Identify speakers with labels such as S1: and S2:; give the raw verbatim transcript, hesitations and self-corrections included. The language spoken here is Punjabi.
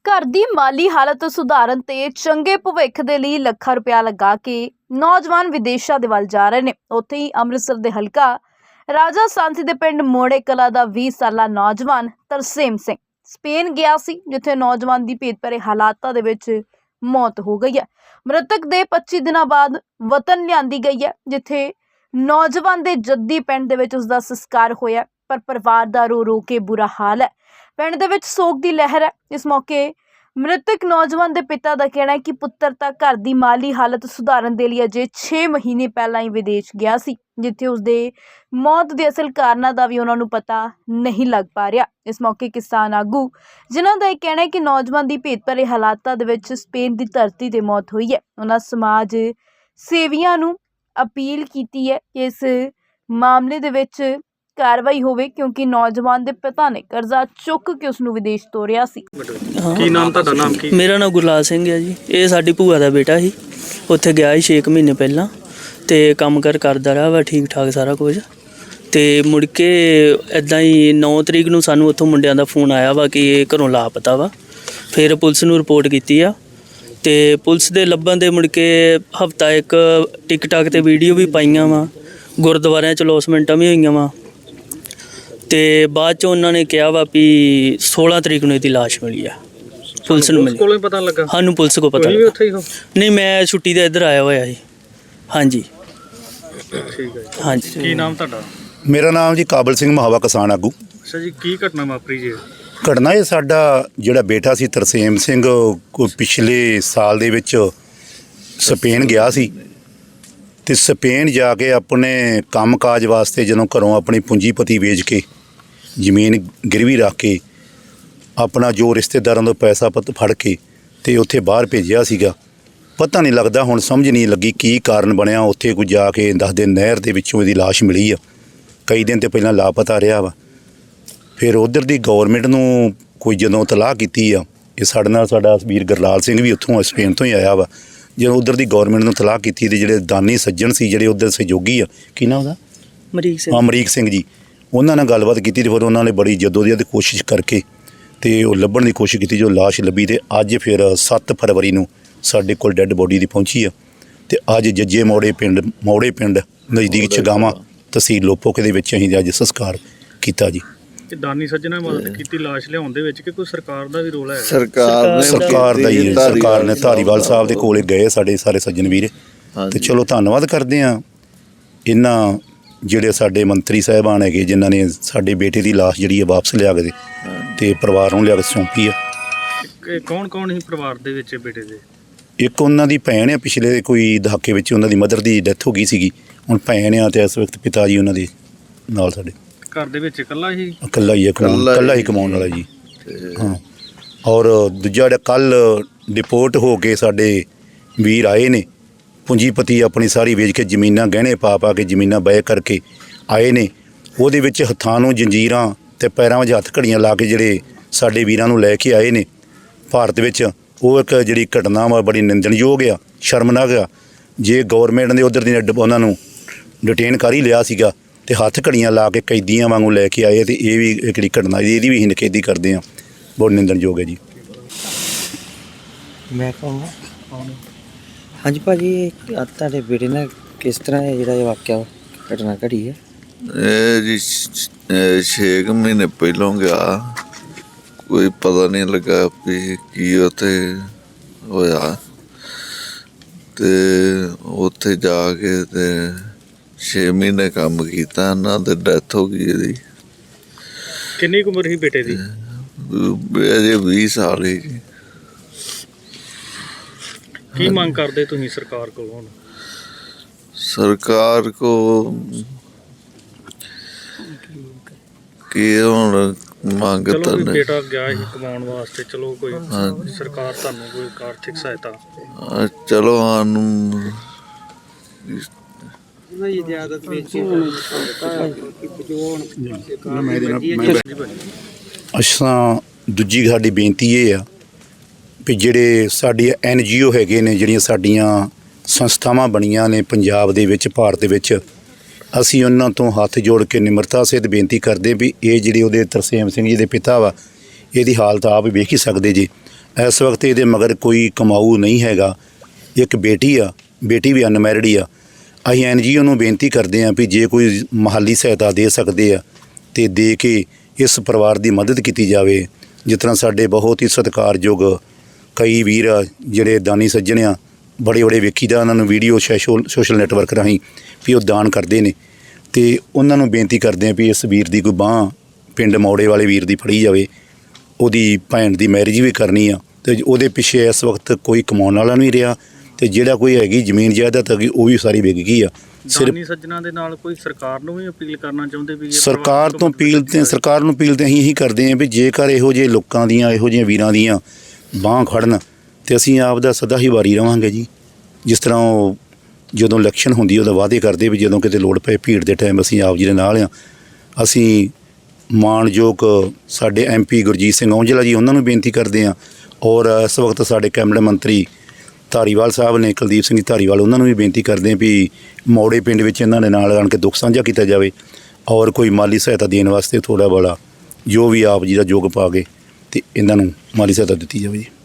S1: घर दी माली हालत सुधारन ते चंगे भविख दे लई ਲੱਖਾਂ रुपया लगा के नौजवान विदेशों दे वल जा रहे ने। उत्थे ही अमृतसर दे हलका राजा सांसी दे पिंड मोड़े कला दा बीस साला नौजवान तरसेम सिंह स्पेन गया सी, जिथे नौजवान दी भेत भरे हालातां दे विच मौत हो गई है। मृतक दे पच्ची दिनां बाद वतन लियांदी गई है, जिथे नौजवान दे जद्दी पिंड दे विच उसदा संस्कार होया, पर परिवार दा रो रो के बुरा हाल है। पिंड दे विच सोग दी लहर है। इस मौके मृतक नौजवान दे पिता दा कहना है कि पुत्तर तां घर दी माली हालत सुधारन दे लई अजे छे महीने पहलां ही विदेश गया सी, जिथे उसदे मौत दे असल कारणां दा भी उन्हां नूं पता नहीं लग पा रिहा। इस मौके किसान आगू जिन्हां दा इह कहना है कि नौजवान दी भेत भरे हालातां दे विच स्पेन दी धरती ते मौत होई है। उन्हां समाज सेवियां नूं अपील कीती है कि इस मामले दे विच कार्रवाई होवे, क्योंकि नौजवान दे पिता ने कर्जा चुक के उसनूं विदेश ਤੋਰਿਆ ਸੀ।
S2: ਕੀ ਨਾਮ ਤੁਹਾਡਾ? ਨਾਮ ਕੀ?
S3: मेरा नाम गुरलाल सिंह है जी। ये साडी भूआ दा बेटा ही, उत्थे गया ही छे महीने पहला ते काम कर करदा रहा वा ठीक ठाक सारा कुछ। ते मुड़ के इदां ही नौ तरीक नूं सानूं उत्थों मुंडियां दा फोन आया वा कि ये घरों लापता वा। फिर पुलिस नूं रिपोर्ट कीती आ ते पुलिस दे लब्भण दे मुड़ के हफ्ता एक टिकटाक ते वीडियो भी पाईयां वा, गुरद्वारियां च लॉसमेंटां भी होईयां वा। ते बाद च उन्होंने कहा वा भी सोलह तरीक नूं इहदी लाश मिली है। पुलिस नूं मिली,
S2: कोलों पता लगा?
S3: सानूं पुलिस को पता
S2: भी उत्थे ही हो?
S3: नहीं, मैं छुट्टी ते इधर आया होया जी। हाँ जी,
S2: ठीक है।
S3: हाँ जी।
S2: ਕੀ ਨਾਮ ਤੁਹਾਡਾ?
S4: ਮੇਰਾ ਨਾਮ ਜੀ ਕਾਬਲ ਸਿੰਘ ਮਹਾਵਾ ਕਿਸਾਨ ਆਗੂ।
S2: ਅੱਛਾ ਜੀ, ਕੀ ਘਟਨਾ ਵਾਪਰੀ ਜੀ?
S4: ਘਟਨਾ ਇਹ ਸਾਡਾ ਜਿਹੜਾ ਬੇਟਾ ਸੀ ਤਰਸੇਮ ਸਿੰਘ, ਕੋਈ ਪਿਛਲੇ ਸਾਲ ਦੇ ਵਿੱਚ ਸਪੇਨ ਗਿਆ ਸੀ ਤੇ ਸਪੇਨ ਜਾ ਕੇ ਆਪਣੇ ਕੰਮਕਾਜ ਵਾਸਤੇ ਜਦੋਂ ਘਰੋਂ ਆਪਣੀ ਪੂੰਜੀਪਤੀ ਵੇਚ ਕੇ ਜ਼ਮੀਨ ਗਿਰਵੀ ਰੱਖ ਕੇ ਆਪਣਾ ਜੋ ਰਿਸ਼ਤੇਦਾਰਾਂ ਤੋਂ ਪੈਸਾ ਪੱਤ ਫੜ ਕੇ ਤੇ ਉੱਥੇ ਬਾਹਰ ਭੇਜਿਆ ਸੀਗਾ। ਪਤਾ ਨਹੀਂ ਲੱਗਦਾ, ਹੁਣ ਸਮਝ ਨਹੀਂ ਲੱਗੀ ਕੀ ਕਾਰਨ ਬਣਿਆ। ਉੱਥੇ ਕੋਈ ਜਾ ਕੇ ਦੱਸਦੇ ਨਹਿਰ ਦੇ ਵਿੱਚੋਂ ਇਹਦੀ ਲਾਸ਼ ਮਿਲੀ ਆ। ਕਈ ਦਿਨ ਤੇ ਪਹਿਲਾਂ ਲਾਪਤਾ ਰਿਹਾ ਵਾ। ਫਿਰ ਉਧਰ ਦੀ ਗੌਰਮੈਂਟ ਨੂੰ ਕੋਈ ਜਦੋਂ ਤਲਾਹ ਕੀਤੀ ਆ, ਇਹ ਸਾਡੇ ਨਾਲ ਸਾਡਾ ਵੀਰ ਗੁਰਲਾਲ ਸਿੰਘ ਵੀ ਉੱਥੋਂ ਸਪੇਨ ਤੋਂ ਹੀ ਆਇਆ ਵਾ। ਜਦੋਂ ਉਧਰ ਦੀ ਗੌਰਮੈਂਟ ਨੂੰ ਤਲਾਹ ਕੀਤੀ ਤੇ ਜਿਹੜੇ ਦਾਨੀ ਸੱਜਣ ਸੀ, ਜਿਹੜੇ ਉਧਰ ਸਹਿਯੋਗੀ ਆ, ਕੀ ਨਾਮ ਉਹਦਾ?
S3: ਅਮਰੀਕ ਸਿੰਘ।
S4: ਅਮਰੀਕ ਸਿੰਘ ਜੀ, ਉਹਨਾਂ ਨਾਲ ਗੱਲਬਾਤ ਕੀਤੀ ਤੇ ਫਿਰ ਉਹਨਾਂ ਨੇ ਬੜੀ ਜਦੋਜਹਿਦ ਕੋਸ਼ਿਸ਼ ਕਰਕੇ ਤੇ ਉਹ ਲੱਭਣ ਦੀ ਕੋਸ਼ਿਸ਼ ਕੀਤੀ। ਜੋ ਲਾਸ਼ ਲੱਭੀ ਤੇ ਅੱਜ ਫਿਰ ਸੱਤ ਫਰਵਰੀ ਨੂੰ ਸਾਡੇ ਕੋਲ ਡੈੱਡ ਬੋਡੀ ਦੀ ਪਹੁੰਚੀ ਆ। ਤੇ ਅੱਜ ਜੱਜੇ ਮੋੜੇ ਪਿੰਡ ਮੋੜੇ ਪਿੰਡ ਨਜ਼ਦੀਕ ਚਗਾਵਾਂ ਤਹਿਸੀਲ ਲੋਪੋਕੇ ਦੇ ਵਿੱਚ ਅਸੀਂ ਅੱਜ ਸੰਸਕਾਰ ਕੀਤਾ ਜੀ।
S2: ਕਿ ਦਾਨੀ ਸੱਜਣਾ ਮਦਦ ਕੀਤੀ ਲਾਸ਼ ਲਿਆਉਣ ਦੇ ਵਿੱਚ, ਕਿ ਕੋਈ ਸਰਕਾਰ ਦਾ ਵੀ ਰੋਲ ਹੈ?
S5: ਸਰਕਾਰ ਨੇ
S4: ਸਰਕਾਰ ਦਾ ਹੀ, ਸਰਕਾਰ ਨੇ ਧਾਰੀਵਾਲ ਸਾਹਿਬ ਦੇ ਕੋਲੇ ਗਏ ਸਾਡੇ ਸਾਰੇ ਸੱਜਣ ਵੀਰ। ਤੇ ਚਲੋ ਧੰਨਵਾਦ ਕਰਦੇ ਆ ਇਹਨਾਂ ਜਿਹੜੇ ਸਾਡੇ ਮੰਤਰੀ ਸਾਹਿਬਾਨ ਹੈਗੇ, ਜਿਨ੍ਹਾਂ ਨੇ ਸਾਡੇ ਬੇਟੇ ਦੀ ਲਾਸ਼ ਜਿਹੜੀ ਹੈ ਵਾਪਸ ਲਿਆ ਕੇ ਤੇ ਪਰਿਵਾਰ ਨੂੰ ਲਿਆ ਕੇ ਸੌਂਪੀ ਆ।
S2: ਕੌਣ ਕੌਣ ਸੀ ਪਰਿਵਾਰ ਦੇ ਵਿੱਚ ਬੇਟੇ ਦੇ?
S4: ਇੱਕ ਉਹਨਾਂ ਦੀ ਭੈਣ ਆ, ਪਿਛਲੇ ਕੋਈ ਦਹਾਕੇ ਵਿੱਚ ਉਹਨਾਂ ਦੀ ਮਦਰ ਦੀ ਡੈਥ ਹੋ ਗਈ ਸੀਗੀ। ਹੁਣ ਭੈਣ ਆ ਤੇ ਇਸ ਵਕਤ ਪਿਤਾ ਜੀ ਉਹਨਾਂ ਦੇ ਨਾਲ ਸਾਡੇ
S2: ਘਰ ਦੇ ਵਿੱਚ ਇਕੱਲਾ ਹੀ
S4: ਇਕੱਲਾ ਹੀ ਕਮਾਉਣ ਇਕੱਲਾ ਹੀ ਕਮਾਉਣ ਵਾਲਾ ਜੀ। ਹਾਂ, ਔਰ ਦੂਜਾ ਜਿਹੜਾ ਕੱਲ੍ਹ ਡਿਪੋਰਟ ਹੋ ਕੇ ਸਾਡੇ ਵੀਰ ਆਏ ਨੇ, ਪੂੰਜੀਪਤੀ ਆਪਣੀ ਸਾਰੀ ਵੇਚ ਕੇ ਜ਼ਮੀਨਾਂ ਗਹਿਣੇ ਪਾ ਪਾ ਕੇ ਜ਼ਮੀਨਾਂ ਬੈ ਕਰਕੇ ਆਏ ਨੇ। ਉਹਦੇ ਵਿੱਚ ਹੱਥਾਂ ਨੂੰ ਜੰਜੀਰਾਂ ਅਤੇ ਪੈਰਾਂ ਵਿੱਚ ਹੱਥ ਘੜੀਆਂ ਲਾ ਕੇ ਜਿਹੜੇ ਸਾਡੇ ਵੀਰਾਂ ਨੂੰ ਲੈ ਕੇ ਆਏ ਨੇ ਭਾਰਤ ਵਿੱਚ, ਉਹ ਇੱਕ ਜਿਹੜੀ ਘਟਨਾ ਵਾ ਬੜੀ ਨਿੰਦਣਯੋਗ ਆ, ਸ਼ਰਮਨਾਕ ਆ। ਜੇ ਗੌਰਮੈਂਟ ਨੇ ਉੱਧਰ ਦੀ ਉਹਨਾਂ ਨੂੰ ਡਿਟੇਨ ਕਰ ਹੀ ਲਿਆ ਸੀਗਾ ਤੇ ਹੱਥ ਘੜੀਆਂ ਲਾ ਕੇ ਕੈਦੀਆਂ ਵਾਂਗੂ ਲੈ ਕੇ ਆਏ, ਤੇ ਇਹ ਵੀ ਜਿਹੜੀ ਘਟਨਾ ਇਹਦੀ ਵੀ ਅਸੀਂ ਨਿਖੇਧੀ ਕਰਦੇ ਹਾਂ, ਬਹੁਤ ਨਿੰਦਣਯੋਗ ਹੈ ਜੀ।
S6: ਮੈਂ ਕਹਾਂਗਾ ਹਾਂਜੀ ਭਾਜੀ, ਤੁਹਾਡੇ ਬੇਟੇ ਨਾਲ ਕਿਸ ਤਰ੍ਹਾਂ ਇਹ ਜਿਹੜਾ ਇਹ ਵਾਕਿਆ ਘਟਨਾ ਘੜੀ ਹੈ?
S5: ਇਹ ਜੀ ਛੇ ਕੁ ਮਹੀਨੇ ਪਹਿਲੋਂ ਗਿਆ, ਕੋਈ ਪਤਾ ਨਹੀਂ ਲੱਗਾ ਵੀ ਕੀ ਉੱਥੇ ਹੋਇਆ। ਤੇ ਉੱਥੇ ਜਾ ਕੇ ਤੇ ਛੇ ਮਹੀਨੇ ਕੰਮ ਕੀਤਾ, ਇਹਨਾਂ ਤੇ ਡੈਥ ਹੋ ਗਈ ਇਹਦੀ।
S2: ਕਿੰਨੀ ਕੁ ਉਮਰ ਸੀ ਬੇਟੇ ਦੀ?
S5: ਅਜੇ ਵੀਹ ਸਾਲ ਹੀ ਜੀ।
S2: ਕੀ ਮੰਗ ਕਰਦੇ ਤੁਸੀਂ ਸਰਕਾਰ ਕੋਲ? ਹੁਣ
S5: ਸਰਕਾਰ ਕੋ ਕੀ ਹੁਣ ਮੰਗ
S2: ਚਲੋ
S5: ਤਾਂ
S2: ਵੀ
S5: ਨਹੀਂ।
S2: ਬੇਟਾ ਗਿਆ ਸੀ ਕਮਾਉਣ ਵਾਸਤੇ, ਚਲੋ ਕੋਈ ਸਰਕਾਰ ਤੁਹਾਨੂੰ ਕੋਈ ਆਰਥਿਕ ਸਹਾਇਤਾ?
S5: ਹਾਂ, ਚਲੋ ਸਾਨੂੰ
S4: ਅਸਾਂ ਦੂਜੀ ਸਾਡੀ ਬੇਨਤੀ ਇਹ ਆ ਵੀ ਜਿਹੜੇ ਸਾਡੇ ਐਨ ਜੀ ਓ ਹੈਗੇ ਨੇ, ਜਿਹੜੀਆਂ ਸਾਡੀਆਂ ਸੰਸਥਾਵਾਂ ਬਣੀਆਂ ਨੇ ਪੰਜਾਬ ਦੇ ਵਿੱਚ, ਭਾਰਤ ਦੇ ਵਿੱਚ, ਅਸੀਂ ਉਹਨਾਂ ਤੋਂ ਹੱਥ ਜੋੜ ਕੇ ਨਿਮਰਤਾ ਸਹਿਤ ਬੇਨਤੀ ਕਰਦੇ ਵੀ ਇਹ ਜਿਹੜੇ ਉਹਦੇ ਤਰਸੇਮ ਸਿੰਘ ਜੀ ਦੇ ਪਿਤਾ ਵਾ, ਇਹਦੀ ਹਾਲਤ ਆਪ ਵੇਖ ਹੀ ਸਕਦੇ ਜੀ। ਇਸ ਵਕਤ ਇਹਦੇ ਮਗਰ ਕੋਈ ਕਮਾਊ ਨਹੀਂ ਹੈਗਾ। ਇੱਕ ਬੇਟੀ ਆ, ਬੇਟੀ ਵੀ ਅਨਮੈਰਿਡ ਹੀ ਆ। ਅਸੀਂ ਐਨ ਜੀ ਓ ਨੂੰ ਬੇਨਤੀ ਕਰਦੇ ਹਾਂ ਵੀ ਜੇ ਕੋਈ ਮਾਲੀ ਸਹਾਇਤਾ ਦੇ ਸਕਦੇ ਆ ਤੇ ਦੇ ਕੇ ਇਸ ਪਰਿਵਾਰ ਦੀ ਮਦਦ ਕੀਤੀ ਜਾਵੇ। ਜਿਸ ਤਰ੍ਹਾਂ ਸਾਡੇ ਬਹੁਤ ਹੀ ਸਤਿਕਾਰਯੋਗ ਕਈ ਵੀਰ ਆ ਜਿਹੜੇ ਦਾਨੀ ਸੱਜਣ ਆ, ਬੜੇ ਬੜੇ ਵੇਖੀਦਾ ਉਹਨਾਂ ਨੂੰ ਵੀਡੀਓ ਸੋਸ਼ਲ ਸੋਸ਼ਲ ਨੈਟਵਰਕ ਰਾਹੀਂ ਵੀ ਉਹ ਦਾਨ ਕਰਦੇ ਨੇ, ਤੇ ਉਹਨਾਂ ਨੂੰ ਬੇਨਤੀ ਕਰਦੇ ਹਾਂ ਵੀ ਇਸ ਵੀਰ ਦੀ ਕੋਈ ਬਾਂਹ ਪਿੰਡ ਮੌੜੇ ਵਾਲੇ ਵੀਰ ਦੀ ਫੜੀ ਜਾਵੇ। ਉਹਦੀ ਭੈਣ ਦੀ ਮੈਰਿਜ ਵੀ ਕਰਨੀ ਆ ਤੇ ਉਹਦੇ ਪਿੱਛੇ ਇਸ ਵਕਤ ਕੋਈ ਕਮਾਉਣ ਵਾਲਾ ਨਹੀਂ ਰਿਹਾ, ਤੇ ਜਿਹੜਾ ਕੋਈ ਹੈਗੀ ਜ਼ਮੀਨ ਜਾਇਦਾਦ ਹੈਗੀ ਉਹ ਵੀ ਸਾਰੀ ਵਿਕ ਗਈ ਆ। ਸਿਰਫ
S2: ਦਾਨੀ ਸੱਜਣਾ ਦੇ ਨਾਲ ਕੋਈ ਸਰਕਾਰ ਨੂੰ ਵੀ ਅਪੀਲ ਕਰਨਾ ਚਾਹੁੰਦੇ ਵੀ ਇਹ
S4: ਸਰਕਾਰ
S2: ਪਰਿਵਾਰ
S4: ਤੋਂ ਅਪੀਲ ਤੇ ਸਰਕਾਰ ਨੂੰ ਅਪੀਲ ਤੇ ਅਸੀਂ ਇਹੀ ਕਰਦੇ ਹਾਂ ਵੀ ਜੇਕਰ ਇਹੋ ਜਿਹੇ ਲੋਕਾਂ ਦੀਆਂ ਇਹੋ ਜਿਹੇ ਵੀਰਾਂ ਦੀਆਂ ਬਾਂਹ ਖੜਨ ਤੇ ਅਸੀਂ ਆਪ ਦਾ ਸਦਾ ਹੀ ਵਾਰੀ ਰਵਾਂਗੇ ਜੀ। ਜਿਸ ਤਰ੍ਹਾਂ ਉਹ ਜਦੋਂ ਇਲੈਕਸ਼ਨ ਹੁੰਦੀ ਉਹਦਾ ਵਾਅਦੇ ਕਰਦੇ ਵੀ ਜਦੋਂ ਕਿਤੇ ਲੋੜ ਪਏ ਭੀੜ ਦੇ ਟਾਈਮ ਅਸੀਂ ਆਪ ਜੀ ਦੇ ਨਾਲ ਆ। ਅਸੀਂ ਮਾਣਯੋਗ ਸਾਡੇ ਐਮ ਪੀ ਗੁਰਜੀਤ ਸਿੰਘ ਔਂਜਲਾ ਜੀ ਉਹਨਾਂ ਨੂੰ ਬੇਨਤੀ ਕਰਦੇ ਹਾਂ, ਔਰ ਇਸ ਵਕਤ ਸਾਡੇ ਕੈਬਨਿਟ ਮੰਤਰੀ ਧਾਰੀਵਾਲ ਸਾਹਿਬ ਨੇ, ਕੁਲਦੀਪ ਸਿੰਘ ਧਾਰੀਵਾਲ, ਉਹਨਾਂ ਨੂੰ ਵੀ ਬੇਨਤੀ ਕਰਦੇ ਹਾਂ ਵੀ ਮੌੜੇ ਪਿੰਡ ਵਿੱਚ ਇਹਨਾਂ ਦੇ ਨਾਲ ਆਣ ਕੇ ਦੁੱਖ ਸਾਂਝਾ ਕੀਤਾ ਜਾਵੇ ਔਰ ਕੋਈ ਮਾਲੀ ਸਹਾਇਤਾ ਦੇਣ ਵਾਸਤੇ ਥੋੜ੍ਹਾ ਬੜਾ ਜੋ ਵੀ ਆਪ ਜੀ ਦਾ ਯੋਗ ਪਾ ਕੇ ਤੇ ਇਹਨਾਂ ਨੂੰ ਮਾਲੀ ਸਹਾਇਤਾ ਦਿੱਤੀ ਜਾਵੇ ਜੀ।